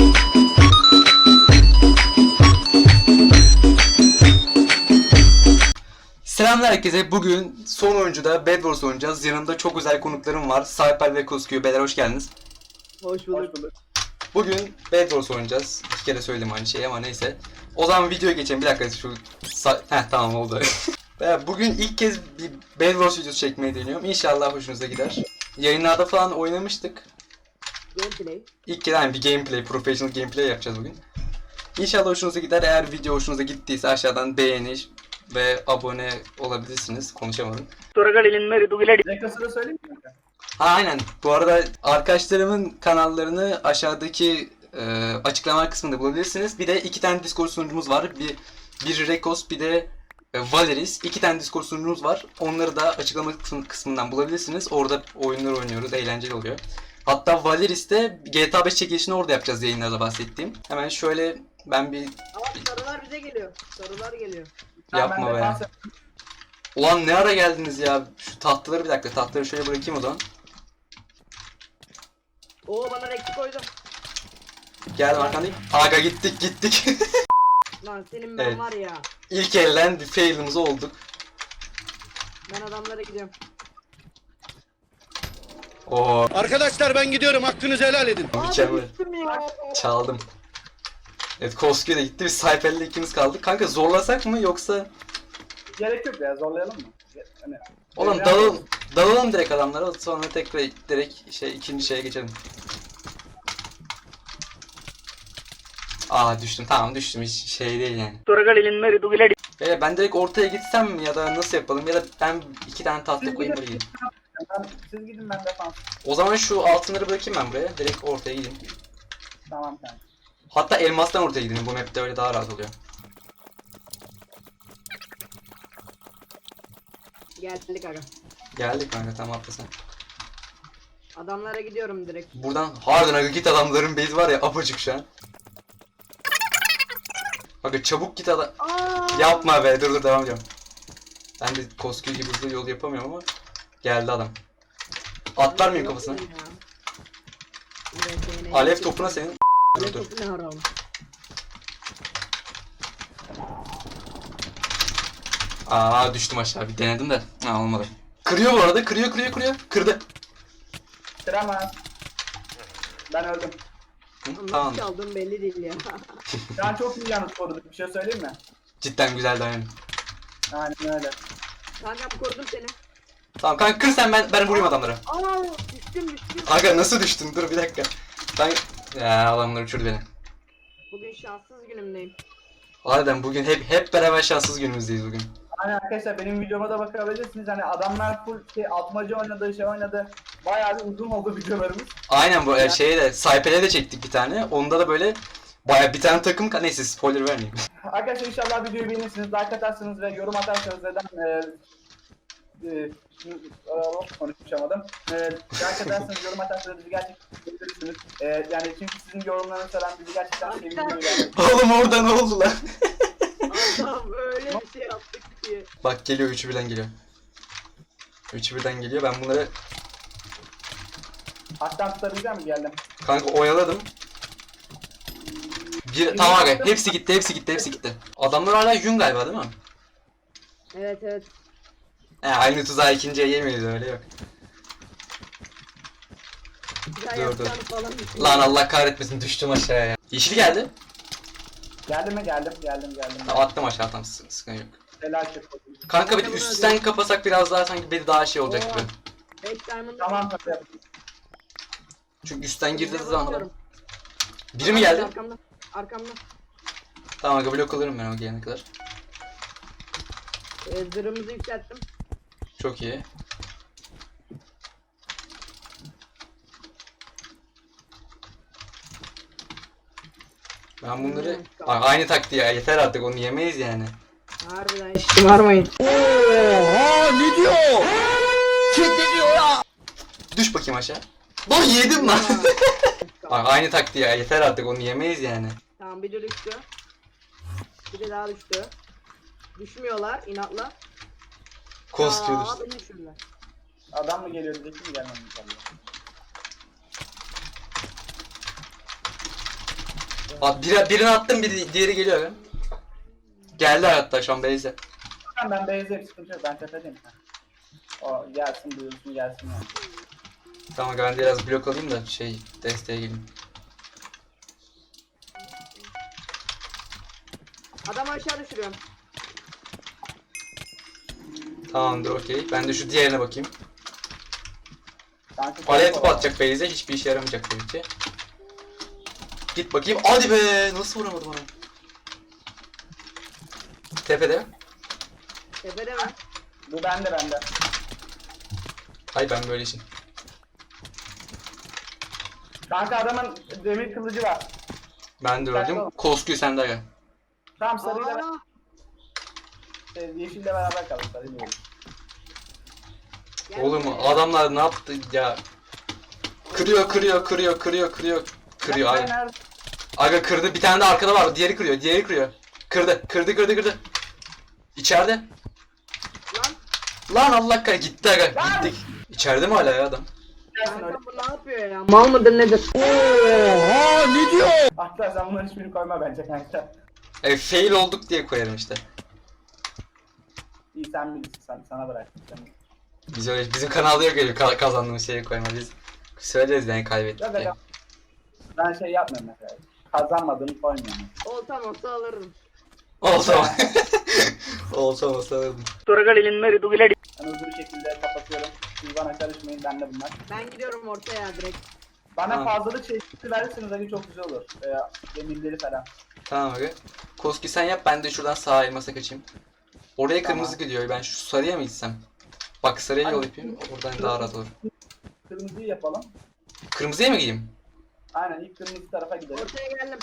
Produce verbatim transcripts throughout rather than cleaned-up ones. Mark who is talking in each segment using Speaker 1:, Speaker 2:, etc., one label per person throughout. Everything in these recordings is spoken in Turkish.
Speaker 1: Selamlar herkese. Bugün son oyuncuda Bed Wars oynayacağız. Yanımda çok özel konuklarım var. Cyper ve Koskü. Beyler hoş geldiniz.
Speaker 2: Hoş bulduk.
Speaker 1: Bugün Bed Wars oynayacağız. İki kere söyledim aynı şeyi ama neyse. O zaman videoya geçelim. Bir dakika şu... Heh tamam oldu. Bugün ilk kez bir Bed Wars videosu çekmeyi deniyorum. İnşallah hoşunuza gider. Yayınlarda falan oynamıştık.
Speaker 2: Gameplay.
Speaker 1: İlk kez yani bir gameplay, professional gameplay yapacağız bugün. İnşallah hoşunuza gider. Eğer video hoşunuza gittiyse aşağıdan beğeni ve abone olabilirsiniz. Konuşamadım.
Speaker 3: Rekasını söyleyeyim mi?
Speaker 1: Ha aynen. Bu arada arkadaşlarımın kanallarını aşağıdaki e, açıklama kısmında bulabilirsiniz. Bir de iki tane Discord sunucumuz var. Bir bir Rekos, bir de e, Valeris. İki tane Discord sunucumuz var. Onları da açıklama kısmı- kısmından bulabilirsiniz. Orada oyunlar oynuyoruz. Eğlenceli oluyor. Hatta Valeris'te G T A beş çekilişini orada yapacağız, yayınlarda bahsettiğim. Hemen şöyle ben bir
Speaker 2: Ama sarılar bize geliyor. Sarılar geliyor.
Speaker 1: yapma
Speaker 3: Ben
Speaker 1: be.
Speaker 3: defans-
Speaker 1: Ulan ne ara geldiniz ya? Şu tahtaları bir dakika. Tahtaları şöyle bırakayım o zaman.
Speaker 2: Oo bana rekti koydum.
Speaker 1: Geldim arkandayım. Aga gittik gittik.
Speaker 2: Lan senin ben
Speaker 1: Evet.
Speaker 2: var ya.
Speaker 1: İlk elden bir fail'imiz olduk.
Speaker 2: Ben adamlara gidiyorum.
Speaker 1: Oo
Speaker 4: Arkadaşlar ben gidiyorum, hakkınızı helal edin.
Speaker 1: mükemmel.
Speaker 2: Düştüm ya.
Speaker 1: Çaldım. Evet Koskü de gitti. Biz Cypher'le ikimiz kaldık. Kanka zorlasak mı yoksa...
Speaker 3: Gerek yok ya, zorlayalım mı? Hani,
Speaker 1: Oğlum
Speaker 3: evren-
Speaker 1: dalalım, dalalım direkt adamlara, sonra tekrar direkt şey ikinci şeye geçelim. Aa düştüm, tamam düştüm, hiç şey değil yani. Ee, ben direkt ortaya gitsem mi ya da nasıl yapalım, ya da ben iki tane tahta koyayım buraya gideyim.
Speaker 3: Ben, siz gidin, ben defans.
Speaker 1: O zaman şu altınları bırakayım ben buraya, direkt ortaya gideyim.
Speaker 3: Tamam kanka.
Speaker 1: Hatta elmastan ortaya gideyim, bu map'te öyle daha rahat oluyor.
Speaker 2: Geldik aga.
Speaker 1: Geldik kanka, tamam atla sen.
Speaker 2: Adamlara gidiyorum direkt.
Speaker 1: Buradan harbiden aga git, adamların base var ya apacık şu an. Aga çabuk git adam.
Speaker 2: Aa!
Speaker 1: Yapma be, dur dur devam ediyorum. Ben de Koskü gibi hızlı yol yapamıyorum ama geldi adam. Atlar mıyım kafasına? Alev topuna senin.
Speaker 2: Alev
Speaker 1: Dur dur.
Speaker 2: topu ne haram.
Speaker 1: Aa düştüm aşağı, bir denedim de. Ha olmadı. Kırıyor bu arada, kırıyor kırıyor kırıyor. Kırdı.
Speaker 3: Kıramaz. Ben öldüm.
Speaker 1: Hı,
Speaker 2: Nasıl
Speaker 1: tamam.
Speaker 2: çaldığım belli değil ya.
Speaker 3: Şu an çok iyi yalnız koruduk. Bir şey söyleyeyim mi?
Speaker 1: Cidden güzel dayanım.
Speaker 3: Aynen öyle.
Speaker 2: Kankam korudum seni.
Speaker 1: Tamam kanka kır sen, ben ben vurayım adamlara.
Speaker 2: Aa düştüm düştüm.
Speaker 1: Aga nasıl düştün? Dur bir dakika. Ben ya adamlar uçurdu beni.
Speaker 2: Bugün şanssız günümdeyim.
Speaker 1: Harbiden bugün hep hep beraber şanssız günümüzdeyiz bugün.
Speaker 3: Aynen arkadaşlar, benim videoma da bakabilirsiniz. Hani adamlar full şey, atmaca oynadı, şey oynadı. Bayağı bir uzun oldu videolarımız.
Speaker 1: Aynen bu e, şeye de Cypher'e de çektik bir tane. Onda da böyle baya bir tane takım ka- neyse spoiler vermeyeyim.
Speaker 3: Arkadaşlar inşallah videoyu beğenirsiniz, like atarsınız ve yorum atarsanız neden e, e, e, konuşamadım. E, like atarsanız, yorum atarsanız bizi gerçekten görürsünüz. E, yani çünkü sizin yorumlarınız falan bizi gerçekten sevindiriyor yani.
Speaker 1: Oğlum orada ne oldu lan?
Speaker 2: Adam öyle bir şey yaptık ki.
Speaker 1: Bak geliyor, üçü birden geliyor. Üçü birden geliyor, ben bunları
Speaker 3: Haktan tutabilecek mi? Geldim.
Speaker 1: kanka oyaladım. Bir, tamam aga hepsi gitti hepsi gitti hepsi gitti. Adamlar hala yün galiba değil mi?
Speaker 2: Evet evet.
Speaker 1: He aynı tuzağı ikinciye yemeyiz, öyle yok.
Speaker 2: Güzel
Speaker 1: Dur, dur.
Speaker 2: yapacağını falan düşünüyorum.
Speaker 1: Lan Allah kahretmesin, düştüm aşağıya. Yeşil geldi.
Speaker 3: Geldim mi? Geldim, geldim, geldim.
Speaker 1: Tamam, attım aşağı, tamam sı- sıkıntı yok.
Speaker 3: Helal çok.
Speaker 1: Kanka bir de üstten kapasak biraz daha sanki beni daha şey olacak gibi.
Speaker 2: beş diamond.
Speaker 3: Tamam tabii.
Speaker 1: Çünkü üstten girdiği
Speaker 2: Ne
Speaker 1: zaman
Speaker 2: bakıyorum?
Speaker 1: biri mi geldi?
Speaker 2: Arkamda. Arkamda.
Speaker 1: Tamam aga blok alırım ben o gelene kadar.
Speaker 2: Ee, zırhımızı yükselttim.
Speaker 1: Çok iyi. Ben bunları
Speaker 2: Hmm,
Speaker 1: Aa, aynı taktiği ya, yeter artık, onu yemeyiz yani.
Speaker 2: Harbiden hiç şımarmayın.
Speaker 4: Oha, ne diyor? Kim diyor ya?
Speaker 1: Düş bakayım aşağı. Lan yedim lan. Aa, aynı taktiği ya, yeter artık, onu yemeyiz yani.
Speaker 2: Tamam bir de düştü. Bir de daha düştü. Düşmüyorlar inatla.
Speaker 1: Koskü
Speaker 2: Aa,
Speaker 1: düştü.
Speaker 2: beni düşürdüler.
Speaker 3: Adam mı geliyor diyecek mi, gelmem inşallah.
Speaker 1: Abi bir, birini attım, biri, diğeri geliyor ya. Geldi hatta şu an Beyze.
Speaker 3: Ben ben beyzeyim, sıkıntı yok, ben tepedeyim. O gelsin, duyulsun, gelsin yani.
Speaker 1: Tamam ben biraz blok alayım da şey desteğe geleyim.
Speaker 2: Adamı aşağı düşürüyorum.
Speaker 1: Tamamdır, okey. Ben de şu diğerine bakayım.
Speaker 3: Kanka,
Speaker 1: Alev topu atacak Beyze, hiçbir işe yaramayacak tabii ki. Git bakayım. Hadi be! Nasıl vuramadım onu? Tepede.
Speaker 2: Tepede mi?
Speaker 3: Bu bende bende.
Speaker 1: Hay ben böyle işim.
Speaker 3: Kanka adamın demir kılıcı var.
Speaker 1: Ben de öldüm. Koskuyu sen de gel.
Speaker 3: Tamam, sarıyla
Speaker 2: Aa,
Speaker 3: e, yeşille beraber kalın, sarıyla olur.
Speaker 2: gel
Speaker 1: Oğlum
Speaker 2: buraya.
Speaker 1: adamlar ne yaptı ya? Kırıyor, kırıyor, kırıyor, kırıyor, kırıyor. Kırıyor
Speaker 3: Nerede,
Speaker 1: aga.
Speaker 3: nerede?
Speaker 1: Aga kırdı. Bir tane de arkada var. Diğeri kırıyor, diğeri kırıyor. Kırdı, kırdı, kırdı, kırdı. İçeride.
Speaker 2: Lan
Speaker 1: Lan Allah kahretsin, gitti aga.
Speaker 3: Lan!
Speaker 1: Gittik. İçeride mi hala ya adam?
Speaker 3: Gelsin öyle.
Speaker 2: kanka bu ne yapıyor ya? Mal mıdır nedir?
Speaker 4: Oha ne diyor?
Speaker 3: Hatta sen bunların hiçbirini koyma bence kanka.
Speaker 1: E, fail olduk diye koyarım işte.
Speaker 3: İyi, sen bilirsin, sen, sana bıraktım. Sen.
Speaker 1: Biz öyle, bizim kanalda yok öyle ka- kazandığımız şeyi koyma. Biz söyleriz yani kaybettik
Speaker 3: Ya
Speaker 1: diye.
Speaker 3: da ben şey yapmıyorum mesela. Kazanmadığımı koymuyorum.
Speaker 2: Olsam olsa alırım.
Speaker 1: Olsa olsa olsa alırdım.
Speaker 3: Ben hızlı bir şekilde kapatıyorum. Siz bana karışmayın, bende bunlar.
Speaker 2: Ben gidiyorum ortaya direkt.
Speaker 3: Bana
Speaker 1: Tamam.
Speaker 3: fazlalık çeşitli verirseniz hani çok güzel olur. Veya demirleri falan.
Speaker 1: Tamam aga. Koski sen yap, ben de şuradan sağ elmasa kaçayım. Oraya
Speaker 3: Tamam.
Speaker 1: kırmızı gidiyor. Ben şu sarıya mı gitsem? Bak sarıya yol yapayım. Oradan daha rahat olur.
Speaker 3: Kırmızıyı yapalım.
Speaker 1: Kırmızıya mı gideyim?
Speaker 3: Aynen, ilk kırmızı tarafa gidelim.
Speaker 2: Ortaya geldim.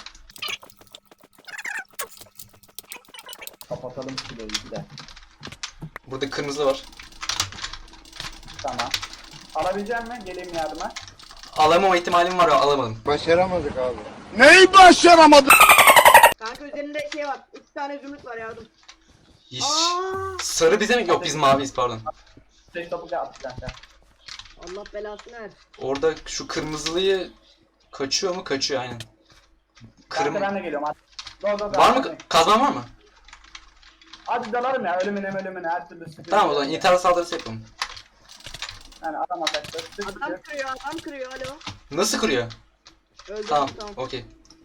Speaker 3: Kapatalım şurayı bir de.
Speaker 1: Burada kırmızı var.
Speaker 3: Tamam. Alabilecek mi? Geleyim yardıma.
Speaker 1: Alamama ihtimalim var, alamadım.
Speaker 4: Başaramadık abi. Neyi başaramadık?
Speaker 2: Kanka üzerinde şey var. Üç tane zümrüt var yardım.
Speaker 1: Hiç.
Speaker 2: Aa!
Speaker 1: Sarı bize mi? Yok biz maviyiz, pardon.
Speaker 3: Beş topu attık kanka.
Speaker 2: Allah belasını ver.
Speaker 1: Orada şu kırmızılıyı kaçıyor mu? Kaçıyor aynen. Kırm
Speaker 3: Kanka ben de geliyorum. Hadi. Go, go, go.
Speaker 1: var mı?
Speaker 3: Hadi.
Speaker 1: Kazman var mı?
Speaker 3: Hadi dalarım ya, ölümüne ölümüne her türlü sıkıntı.
Speaker 1: Tamam o zaman intihar saldırısı yapalım.
Speaker 3: Yani adam atakta. Sık
Speaker 2: Adam
Speaker 3: sık.
Speaker 2: kırıyor, adam kırıyor. Alo.
Speaker 1: Nasıl kırıyor?
Speaker 2: Öldüm
Speaker 1: Tamam,
Speaker 2: tamam.
Speaker 1: okey.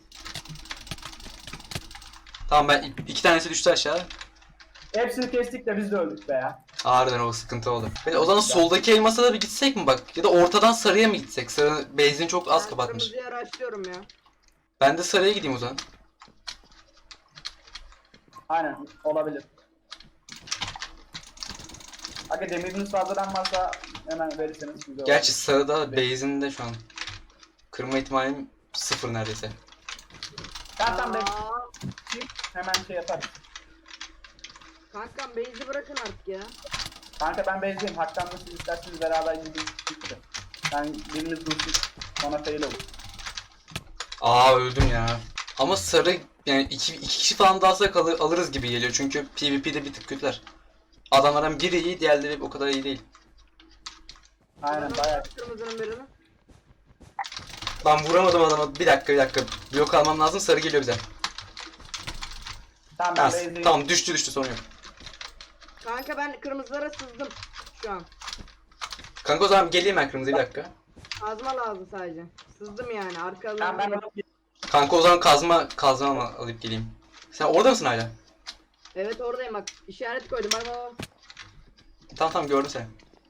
Speaker 1: Tamam ben iki tanesi düştü aşağı.
Speaker 3: Hepsini kestik de biz de öldük be ya.
Speaker 1: Harbiden o sıkıntı oldu. Peki, o zaman soldaki elmasa da bir gitsek mi bak? Ya da ortadan sarıya mı gitsek? Sarı benzin çok az
Speaker 2: Ben
Speaker 1: kapatmış.
Speaker 2: kırmızıya araştırıyorum ya.
Speaker 1: Ben de sarıya gideyim o zaman.
Speaker 3: Aynen, olabilir. Aga demiriniz fazladan varsa hemen verirseniz güzel olur.
Speaker 1: Gerçi sarıda base'inde şu an. Kırma ihtimalim sıfır neredeyse.
Speaker 3: Ben tam
Speaker 2: Aa,
Speaker 3: bekleyeyim, hemen şey yaparım.
Speaker 2: kankam base'i bırakın artık ya.
Speaker 3: Kanka ben bezliyim. Haktan da siz isterseniz beraber gidin. Ben biriniz dursun. Sonra fail olur.
Speaker 1: Aa öldüm ya. Ama sarı yani iki, iki kişi falan daha alsak alır, alırız gibi geliyor çünkü PvP'de bir tık kötüler. Adamlardan biri iyi, diğerleri o kadar iyi değil.
Speaker 3: Aynen
Speaker 2: Ben
Speaker 3: bayağı.
Speaker 2: aldım kırmızının birini.
Speaker 1: Ben vuramadım adama. Bir dakika bir dakika. Blok almam lazım, sarı geliyor bize.
Speaker 3: Tamam ben
Speaker 1: Ha,
Speaker 3: bezliyim.
Speaker 1: tamam düştü düştü, sorun yok.
Speaker 2: Kanka ben kırmızılara sızdım şu an.
Speaker 1: Kanka o zaman geleyim ben kırmızıya, bir dakika.
Speaker 2: Kazma lazım sadece. Sızdım yani
Speaker 3: Tamam
Speaker 2: arkalarına.
Speaker 3: ben alıp
Speaker 1: Kanka o zaman kazma kazma al- alıp geleyim. Sen orada mısın hala?
Speaker 2: Evet oradayım bak. İşaret koydum bak bak. bak.
Speaker 1: Tamam tamam gördüm seni.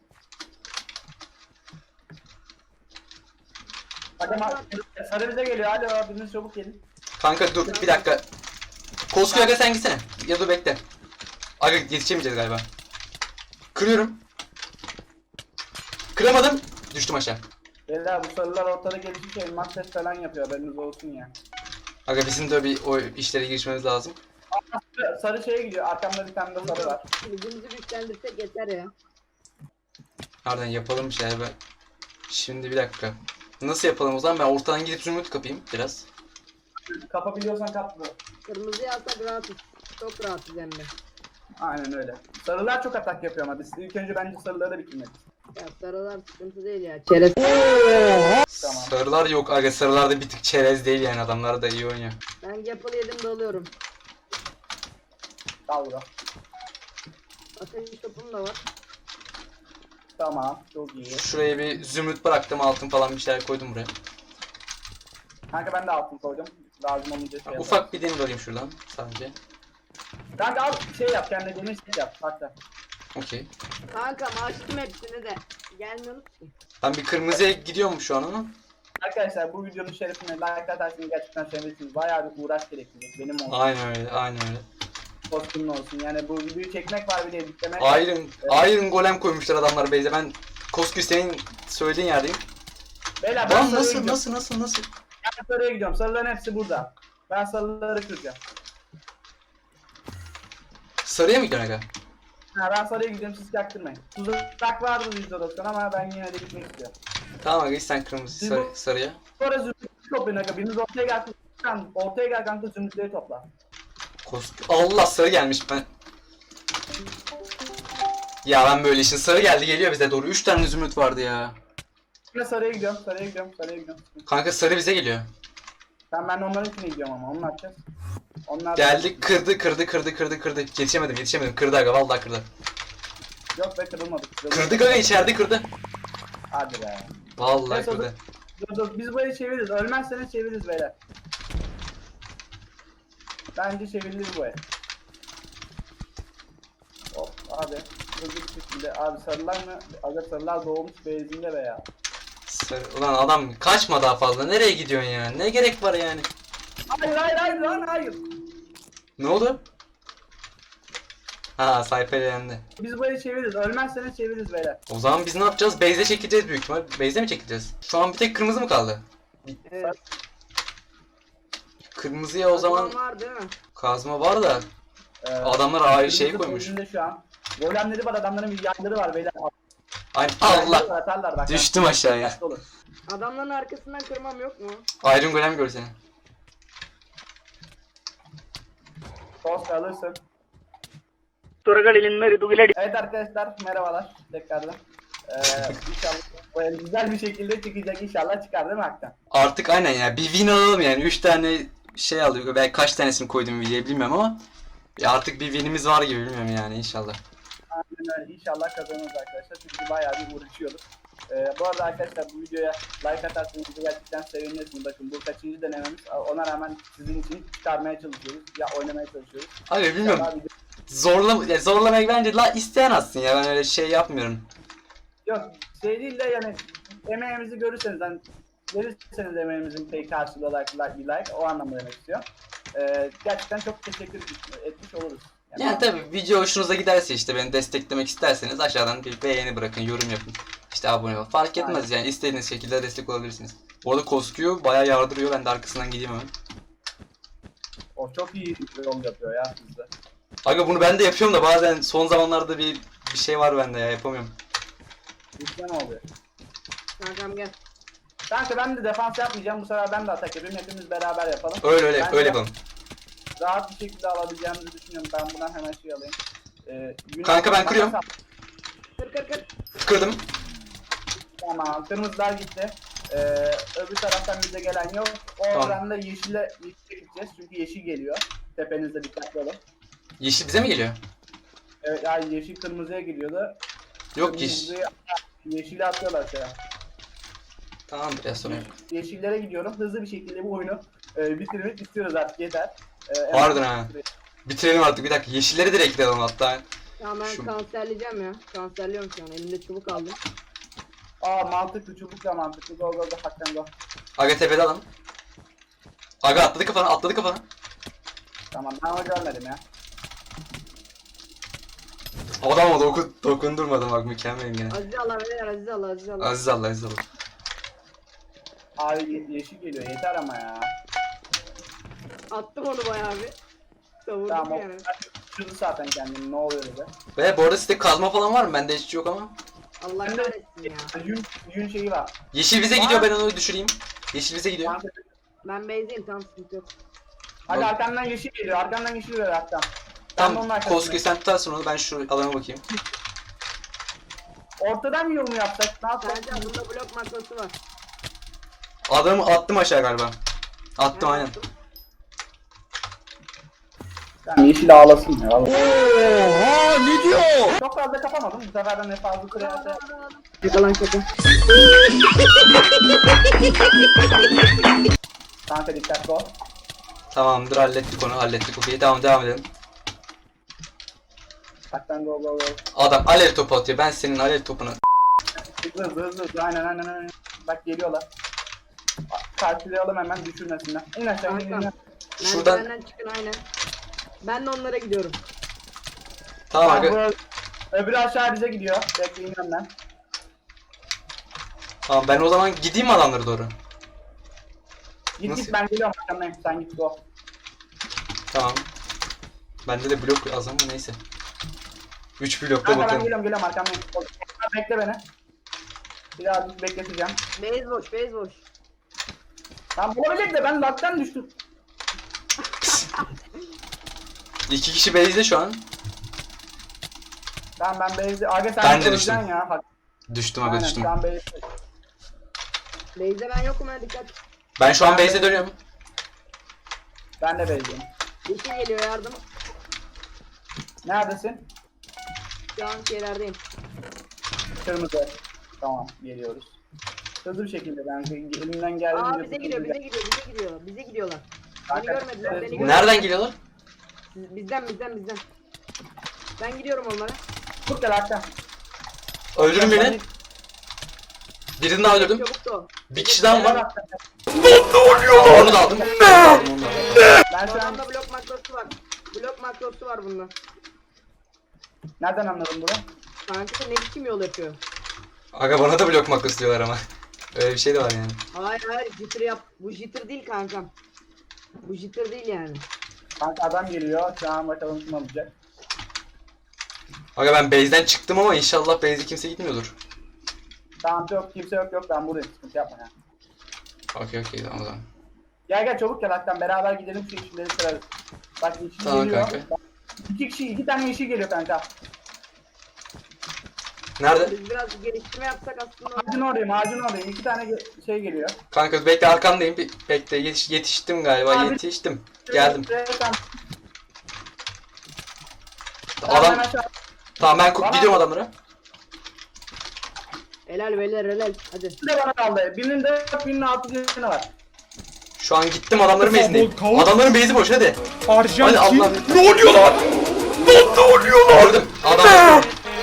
Speaker 3: Aga sarı bize geliyor. Hadi o biriniz çabuk gelin.
Speaker 1: Kanka dur bir dakika. Koskoy aga sen gitsene. Ya dur bekle. Aga yetişemeyeceğiz galiba. Kırıyorum. Kıramadım. Düştüm aşağı.
Speaker 3: Beyler bu sarılar ortada gelişmiş elmas ses falan yapıyor. Haberiniz olsun ya.
Speaker 1: Aga bizim de bir o işlere girişmemiz lazım.
Speaker 3: Sarı- Sarı şeye gidiyor. Arkamda bir tane de sarı var.
Speaker 2: Gücümüzü güçlendirsek yeter ya.
Speaker 1: Nereden yapalım bir şeyler ben. Şimdi bir dakika. Nasıl yapalım o zaman? Ben ortadan gidip zümrüt kapayım biraz.
Speaker 3: Kapabiliyorsan kap bu.
Speaker 2: Kırmızıyı alsak rahatız. Çok rahatız hem de.
Speaker 3: Aynen öyle. Sarılar çok atak yapıyor ama biz ilk önce bence sarıları bitirmeliyiz.
Speaker 2: Ya sarılar sıkıntı değil ya. Çerez.
Speaker 3: Tamam.
Speaker 1: Sarılar yok aga, sarılar da bir tık çerez değil yani, adamlar da iyi oynuyor.
Speaker 2: Ben Gapple yedim dalıyorum.
Speaker 3: Al bro.
Speaker 2: Ateş topum da var.
Speaker 3: Tamam. Çok iyi.
Speaker 1: Şuraya bir zümrüt bıraktım, altın falan bir şeyler koydum buraya.
Speaker 3: Kanka ben de altın koydum. Lazım olunca şey yaparım.
Speaker 1: Ufak bir demir alayım şuradan sadece.
Speaker 3: Kanka al şey yap kendine demir set yap. Hatta.
Speaker 1: Okey.
Speaker 2: Kanka açtım hepsini de. Gelmiyorsunuz ki.
Speaker 1: Ben bir kırmızıya gidiyorum şu an ama.
Speaker 3: Arkadaşlar bu videonun şerefine like atarsınız gerçekten sevmelisiniz. Bayağı bir uğraş gerektirecek. Benim olsun.
Speaker 1: Aynen öyle, aynen öyle.
Speaker 3: Kostümün olsun. Yani bu videoyu çekmek var bir de editlemek.
Speaker 1: Iron, Iron Golem koymuşlar adamlar base'e. Ben Koskü senin söylediğin yerdeyim.
Speaker 3: Beyler ben
Speaker 1: Lan
Speaker 3: sarıya
Speaker 1: nasıl,
Speaker 3: gidiyorum.
Speaker 1: nasıl, nasıl, nasıl?
Speaker 3: Ben sarıya gidiyorum. Sarıların hepsi burada. Ben sarıları kıracağım.
Speaker 1: Sarıya mı gidiyorsun aga?
Speaker 3: Ha, ben sarıya gidiyorum siz yaktırmayın. Tuzak vardı yüzde doksan ama ben yine de gitmek istiyorum.
Speaker 1: Tamam aga, sen kırmızı
Speaker 3: Siz
Speaker 1: sarı,
Speaker 3: bu-
Speaker 1: sarıya.
Speaker 3: Sonra zümrütleri toplayın aga. Biriniz ortaya gel. Kan- Ortaya gel kanka zümrütleri topla.
Speaker 1: Koskü. Allah, sarı gelmiş ben. Ya ben böyle işin, sarı geldi geliyor bize doğru. üç tane zümrüt vardı ya.
Speaker 3: Yine sarıya gidiyorum. Sarıya gidiyorum. Sarıya gidiyorum.
Speaker 1: Kanka sarı bize geliyor.
Speaker 3: Ben ben de onların içine gidiyorum ama onu ne yapacağız? Onlar
Speaker 1: Geldi, kırdı kırdı kırdı kırdı kırdı. Yetişemedim yetişemedim. Kırdı aga, vallahi kırdı.
Speaker 3: Yok be kırılmadık.
Speaker 1: Kırdı aga, içeride kırdı.
Speaker 3: Hadi be.
Speaker 1: Vallahi
Speaker 3: Neyse,
Speaker 1: kırdı.
Speaker 3: Dur dur biz böyle çeviririz. Ölmezseniz çeviririz beyler. Bence çevirilir bu el. Hop abi. Hızlı bir şekilde. Abi sarılar mı? Aga sarılar doğmuş beyzinde be ya.
Speaker 1: Sarı. Ulan adam kaçma daha fazla. Nereye gidiyorsun ya? Ne gerek var yani?
Speaker 3: Hayır hayır hayır lan hayır.
Speaker 1: Ne oldu? Ha, sayfa yendi.
Speaker 3: Biz böyle çeviririz. Ölmezseniz çeviririz beyler.
Speaker 1: O zaman biz ne yapacağız? Base'e çekeceğiz büyük ihtimal. Base'e mi çekeceğiz? Şu an bir tek kırmızı mı kaldı?
Speaker 2: Evet.
Speaker 1: Kırmızıya o zaman
Speaker 2: var değil mi?
Speaker 1: kazma var da
Speaker 3: Ee,
Speaker 1: adamlar ayrı şey
Speaker 3: kırmızı
Speaker 1: koymuş.
Speaker 3: beyzinde şu an. Golemleri var adamların bir yayları var beyler.
Speaker 1: Ay
Speaker 3: Yayları
Speaker 1: Allah!
Speaker 3: var, atarlar bak.
Speaker 1: Düştüm aşağıya.
Speaker 3: Dikkatli olun.
Speaker 2: Adamların arkasından kırmam yok mu?
Speaker 1: Iron Golem gör seni.
Speaker 3: Tost alırsın.
Speaker 5: തുറകളിൽ നിന്ന് ഋതുവിലടി
Speaker 3: Evet arkadaşlar merhabalar tekrardan. Ee, inşallah böyle güzel bir şekilde çıkacak inşallah çıkar değil mi Haktan?
Speaker 1: Artık aynen ya, bir win alalım yani. üç tane şey alıyor. Ben kaç tanesini koydum videoya bilmiyorum ama ya artık bir winimiz var gibi, bilmiyorum yani, inşallah.
Speaker 3: Aynen öyle inşallah kazanırız arkadaşlar çünkü bayağı bir uğraşıyoruz. Ee, bu arada arkadaşlar bu videoya like atarsanız bizi gerçekten sevinirsiniz. Bakın bu kaçıncı denememiz ona rağmen sizin için çıkarmaya çalışıyoruz ya oynamaya çalışıyoruz.
Speaker 1: Abi bilmiyorum.
Speaker 3: İnşallah video-
Speaker 1: Zorla, ya zorlamak bence la isteyen atsın ya, ben öyle şey yapmıyorum.
Speaker 3: Yok şey değil de yani emeğimizi görürseniz hani verirseniz emeğimizin pay karşılığı olarak like, bir like o anlamda demek istiyor. Ee, gerçekten çok teşekkür etmiş oluruz.
Speaker 1: Yani tabi video hoşunuza giderse, işte beni desteklemek isterseniz aşağıdan bir beğeni bırakın, yorum yapın. İşte abone olun. Fark etmez yani, istediğiniz şekilde destek olabilirsiniz. Bu arada Koskü bayağı yardırıyor, ben de arkasından gideyim hemen.
Speaker 3: O çok iyi yol yapıyor ya sizde.
Speaker 1: Aga bunu ben de yapıyorum da bazen son zamanlarda bir bir şey var bende ya, yapamıyorum.
Speaker 3: İşte ne oluyor?
Speaker 2: Kankam gel.
Speaker 3: Kanka ben de defans yapmayacağım. Bu sefer ben de atak yapayım. Hepimiz beraber yapalım.
Speaker 1: Öyle öyle
Speaker 3: Bence
Speaker 1: öyle yapalım.
Speaker 3: Rahat bir şekilde alabileceğimizi düşünüyorum. Ben buradan hemen şey alayım. Ee, Yunan-
Speaker 1: Kanka ben kırıyorum.
Speaker 2: Kır kır kır.
Speaker 1: Kırdım.
Speaker 3: Tamam. Kırmızılar gitti. Ee, öbür taraftan bize gelen yok.
Speaker 1: Tamam.
Speaker 3: Oradan da yeşile, yeşile gideceğiz. Çünkü yeşil geliyor. Tepenizde dikkatli olun.
Speaker 1: Yeşil bize mi geliyor?
Speaker 3: Evet yani yeşil kırmızıya gidiyordu.
Speaker 1: Yok yeşil.
Speaker 3: Kırmızıyı- Yeşile atıyorlar şey.
Speaker 1: Tamamdır ya, sorun yok.
Speaker 3: Yeşillere gidiyorum. Hızlı bir şekilde bu oyunu e, bitirmek istiyoruz artık yeter. E,
Speaker 1: Pardon ha. Bitirelim artık, bir dakika. Yeşilleri direkt alalım hatta.
Speaker 2: Tamam ben
Speaker 1: Şu-
Speaker 2: kanserleyeceğim ya. Kanserliyorum şu an. Elimde çubuk aldım.
Speaker 3: Aa mantıklı çubuk da mantıklı. Go go go hakikaten go.
Speaker 1: Aga tepede alalım. Aga atladı kafana, atladı kafana.
Speaker 3: Tamam ben onu görmedim ya.
Speaker 1: Adama dokun, dokundurmadım bak, mükemmelim gene.
Speaker 2: Aziz Allah beyler Aziz Allah Aziz Allah.
Speaker 1: Aziz Allah, Aziz Allah.
Speaker 3: Abi ye- yeşil geliyor yeter ama ya.
Speaker 2: Attım onu bayağı bir. Savurdum
Speaker 3: Tamam o
Speaker 2: yani.
Speaker 3: şurada zaten kendini ne oluyor bize.
Speaker 1: Ve bu arada sizde kazma falan var mı? Bende hiç yok ama.
Speaker 2: Allah
Speaker 3: Bende
Speaker 2: kahretsin ya.
Speaker 3: yün, yün şeyi var.
Speaker 1: Yeşil bize gidiyor, ben onu düşüreyim. Yeşil bize gidiyor.
Speaker 3: Kanka,
Speaker 2: Ben base'deyim tam sıkıntı yok.
Speaker 3: hadi
Speaker 1: Bak-
Speaker 3: arkandan yeşil geliyor arkandan yeşil geliyor hatta. Ben de onun
Speaker 1: Tam
Speaker 3: arkasındayım.
Speaker 1: Koskü sen tutarsın onu, ben şu alana bakayım.
Speaker 3: Ortadan yol mu yapsak? Ne yapsak?
Speaker 2: Bence bunda blok makrosu var.
Speaker 1: Adamı attım aşağı galiba. Attım
Speaker 2: Ben
Speaker 1: aynen.
Speaker 2: yaptım.
Speaker 3: Ben yeşil ağlasın ya. vallahi.
Speaker 4: Oha ne diyor?
Speaker 3: Çok fazla kapamadım. Bu sefer de ne fazla kırarsa.
Speaker 2: Yakalan kötü.
Speaker 3: Kanka dikkatli ol.
Speaker 1: Tamamdır, hallettik onu, hallettik okey. Tamam, devam edelim.
Speaker 3: Haktan go go go.
Speaker 1: Adam alev topu atıyor. Ben senin alev topunu.
Speaker 3: Hızlı hızlı hızlı hızlı. Aynen aynen aynen. Bak geliyorlar. Karşılayalım hemen düşürmesinler. İn aşağı in in. in.
Speaker 1: Şuradan-
Speaker 2: Merdivenden çıkın aynen. Ben de onlara gidiyorum.
Speaker 1: Tamam
Speaker 3: Bak,
Speaker 1: aga.
Speaker 3: bu- Öbürü aşağı bize gidiyor. Bekleyin önden.
Speaker 1: Tamam, ben o zaman gideyim mi adamlara doğru?
Speaker 3: Git
Speaker 1: Nasıl?
Speaker 3: git ben geliyorum arkamdayım. Sen git go.
Speaker 1: Tamam. Bende de blok az ama neyse. üç blokta
Speaker 3: Kanka ben
Speaker 1: bakalım.
Speaker 3: geliyorum geliyorum arkamdayım. Bekle beni. Biraz bekleteceğim.
Speaker 2: Base boş, base boş.
Speaker 3: Tam bulabilecek de ben laktan düştüm.
Speaker 1: İki kişi base'de şu an.
Speaker 3: Tamam ben Beyzi. Aga sen
Speaker 1: Ben de
Speaker 3: öleceksin
Speaker 1: düştüm.
Speaker 3: ya. Bak.
Speaker 1: Düştüm aga,
Speaker 3: Aynen
Speaker 1: düştüm.
Speaker 3: sen Beyzi.
Speaker 2: Base'de ben yokum ha, dikkat.
Speaker 1: Ben şu an base'e dönüyorum.
Speaker 3: Ben de Beyzi'yim.
Speaker 2: Yeşil geliyor, yardım.
Speaker 3: Neredesin?
Speaker 2: Şu an şeylerdeyim.
Speaker 3: Kırmızı. Tamam geliyoruz. Hızlı bir şekilde ben elimden geldiğince...
Speaker 2: Aa bize gidiyor, bize gidiyor, bize gidiyor. Bize gidiyorlar. Beni
Speaker 3: Kanka,
Speaker 2: görmediler, beni
Speaker 3: evet.
Speaker 2: görmediler.
Speaker 1: Nereden geliyorlar?
Speaker 2: Siz- Bizden, bizden, bizden. Ben gidiyorum onlara.
Speaker 3: Çok gel Hakan.
Speaker 1: Öldürün beni. Birini daha öldürdüm.
Speaker 2: Çabuk da o.
Speaker 1: Bir kişi daha var.
Speaker 3: Hakan.
Speaker 1: Aa, onu da aldım.
Speaker 3: Ben
Speaker 2: Bu
Speaker 3: şu an
Speaker 2: adamda blok makrosu var. Blok makrosu var bunda.
Speaker 3: nereden anladım bunu?
Speaker 2: Kanka ne biçim yol yapıyor?
Speaker 1: Aga bana da blok makrosu diyorlar ama. Öyle bir şey de var yani.
Speaker 2: Hayır hayır, jitter yap. Bu jitter değil kankam. Bu jitter değil yani.
Speaker 3: Kanka adam geliyor. Şu an bakalım kim alacak.
Speaker 1: Aga ben base'den çıktım ama inşallah base'e kimse gitmiyordur.
Speaker 3: Tamam yok kimse yok yok ben buradayım. Sıkıntı yapma ya.
Speaker 1: Okey okey, tamam o zaman.
Speaker 3: Gel gel çabuk gel Hakan beraber gidelim şu yeşilleri kırarız. Bak yeşil
Speaker 1: Tamam
Speaker 3: geliyor.
Speaker 1: kanka.
Speaker 3: Bak, İki kişi iki tane yeşil geliyor kanka.
Speaker 1: Nerede?
Speaker 2: Biz biraz geliştirme yapsak aslında.
Speaker 3: Ağacın oradayım ağacın oradayım. İki tane ge- şey geliyor.
Speaker 1: Kanka bekle, arkandayım. Bir- Bekle, yetiş, yetiştim galiba,
Speaker 3: Abi-
Speaker 1: yetiştim. Geldim.
Speaker 3: Şuraya sen-
Speaker 1: Adam,
Speaker 3: Ben aşağı-
Speaker 1: tamam ben ku-
Speaker 3: Bana-
Speaker 1: gidiyorum adamlara.
Speaker 2: Helal beyler helal. Hadi.
Speaker 3: Bir de bana kaldı. Birinin dört, birinin altı canı var.
Speaker 1: Şu an gittim adamların base'indeyim.
Speaker 4: Kavuk.
Speaker 1: Adamların base'i boş hadi. Hadi
Speaker 4: Arjantin.
Speaker 1: Allah.
Speaker 4: Ne oluyor lan? Lan ne oluyor lan?
Speaker 1: Gördüm. Adam.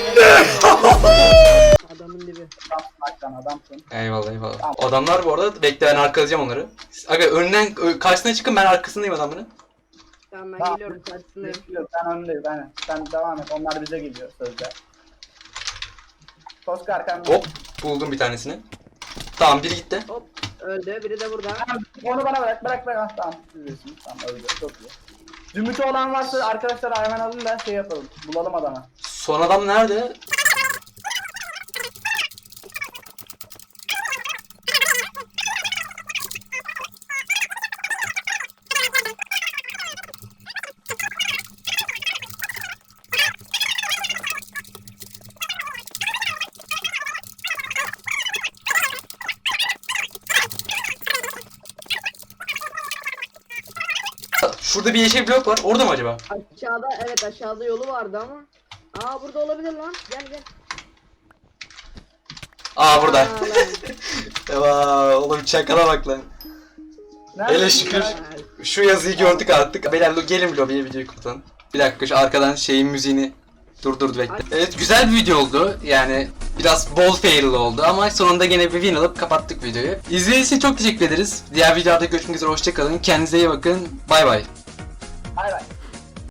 Speaker 2: Adamın dibi.
Speaker 3: Tamam, Hakan adamsın.
Speaker 1: Eyvallah eyvallah.
Speaker 3: Tamam.
Speaker 1: Adamlar bu arada, bekle ben arkalayacağım onları. Aga önünden ö- karşısına çıkın, ben arkasındayım adamların.
Speaker 2: Tamam ben
Speaker 3: Tamam.
Speaker 2: geliyorum karşısındayım.
Speaker 3: Yok, ben önündeyim. Ben, sen devam et. Onlar bize geliyor sözde. Koska arkamda.
Speaker 1: Hop, buldum bir tanesini. Tamam, biri gitti.
Speaker 2: Hop öldü, biri de burada.
Speaker 3: Tamam, onu bana bırak. Bırak bırak. Ah, tamam. Siz bilirsiniz. Tamam öldü. Çok iyi. Zümrütü olan varsa arkadaşlar hemen alın da şey yapalım. Bulalım adamı.
Speaker 1: Son adam nerede? Şurada bir yeşil blok var. Orada mı acaba?
Speaker 2: Aşağıda, evet aşağıda yolu vardı ama. Aa burada olabilir lan. Gel gel.
Speaker 1: Aa burada.
Speaker 2: Aa, lan.
Speaker 1: Eyvah, oğlum çakala bak lan.
Speaker 3: Nerede?
Speaker 1: Hele şükür. Şu yazıyı gördük artık. Beyler lo- gelin lobiye, videoyu kapatalım. Bir dakika, şu arkadan şeyin müziğini durdurdu bekle. Evet, güzel bir video oldu. Yani biraz bol fail oldu ama sonunda gene bir win alıp kapattık videoyu. İzlediğiniz için çok teşekkür ederiz. Diğer videolarda görüşmek üzere, hoşçakalın. Kendinize iyi bakın. Bay bay.
Speaker 3: Bay bay.